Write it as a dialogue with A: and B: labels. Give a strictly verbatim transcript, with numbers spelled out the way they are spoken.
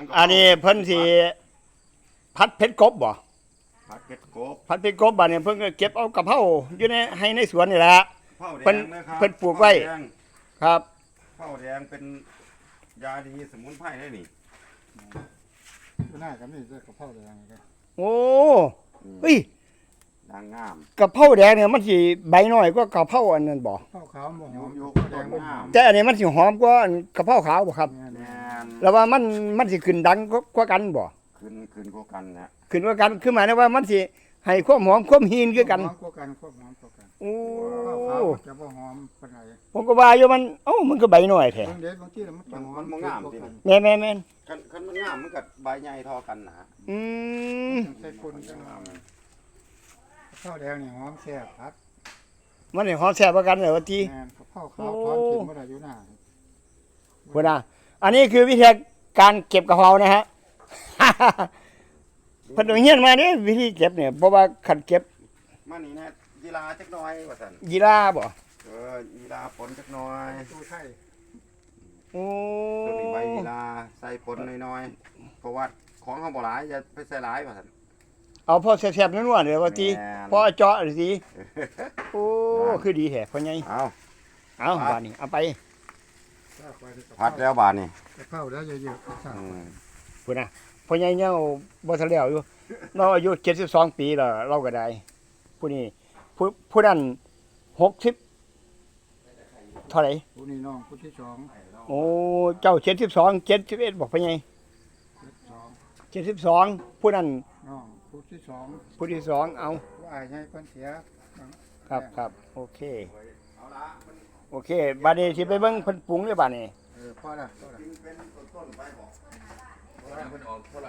A: ำกับ
B: อันนี้เพิ่นสิพัดเพชรกบบ่
A: ผัดเผ็ดกบ
B: พัดเพชรกบบัดนี้เพิ่นก็เก็บเอากะเพราอยู่ในให้ในสวนนี่แหละ
A: เผาแด
B: เพิ่น
A: งนะครับ
B: เพิ่นปลูกไว้
A: เผาแดง
B: ครับ
A: เผาแดงเป็นยาดีสมุนไพรได้นี่
C: หน้ากับนี่จะกระเพราแดงเลย
B: โอ้เฮ้ย
A: นางงาม
B: กะเพราแดงเนี่ยมันสิใบน้อยกว่ากะเพราอันนั้นบ่
C: ข้าวขาวบ่หอม
A: ยุก
C: แด
A: ต้
C: ง
A: น
C: บ่ห
A: งา
C: อ
A: ม
C: ม
B: แต่อันนี้มันสิหอมกว่าอันกะเพราขาวบ่ครับ
C: แม่น
A: แมน
B: แล้วว่ามันมันสิขึ้นดังกว่ากันบ่
A: ขึ้นขึ้นกว่ากันนะ
B: ขึ้นกว่ากันคือหมายถึงว่ามันสิให้ความหอมความหีนคือกัน
C: หอมกว่ากันควบหอมกว่ากัน
B: โอ้
C: ข้าวขาวจะบ่หอมปานใด
B: ผมก็ว่าอยู่มันเอ้ามันก็ใบน้อยแท้
C: บางเด็ดบางที่มันจะหอมกว่ากัน
B: แม่นแม่นแม่น
A: คันคันมันงามมันกับใบใหญ่เทอกันนะ
B: อืม
C: ใส่คนจังหอมข้าวแดงนี่หอมแซ่บครับ
B: มันนี่หอมแซ่บกว่ากันเลยว่าติ
C: แม่นข้าวขาวทอดกินบ่ได้อยู่หน้า
B: พุ่นน่ะอันนี้คือวิธีการเก็บกะเพรานะฮ ะ เพิ่นเฮียนมานี่วิธีเก็บเนี่ยเพราะว่าคันเก็บ
A: มานี่นะยีราจักหน้อยว่าซั่น
B: ยีราบ่
A: เออยีราผลจักหน้อย
C: ตู้ไทย
B: โอ้
A: ตัวนี้ใบยีราใส่ผลน้อยๆเพราะว่าของเฮาบ่หลายอย่าไปใส่หลายว่าซั่น
B: เอาพอแซ่บๆนัวๆเด้อว่าติ
A: แม่น
B: พอเจาะสิโอ้คือดีแท้พ่อใหญ่
A: เอา
B: เอาบาดนี้เอาไป
A: ผัดแล้วบาดนี่
C: กระเพราแล้วเยอะๆสั่ง
A: อืม
B: พุ่นน่ะพ่อใหญ่ยังบ่ทันแล้วอยู่เราอายุเจ็ดสิบสองปีแล้วเราก็ได้ผู้นี้ผู้ผู้นั้นหกสิบเท่าไหร่
C: ผู้นี้น้องผู้ที่สอง
B: โอ้เจ้าเจ็ดสิบสอง เจ็ดสิบเอ็ดบอกพ่อใหญ่
C: สอง
B: เจ็ดสิบสองผู้นั้น
C: น้องผู้ที่สอง
B: ผู้ที่สองเอา
C: ผู้อายให้เพิ่นเสีย
B: ครับครับโอเค
A: เอาละมัน
B: โอเคบาดนี้สิไปเบิ่งเพิ่นปรุงเลยบาดนี้
C: เออพอละพอละ
A: กินเป็นต้นๆไปบอก
D: เพิ่นออกคนละ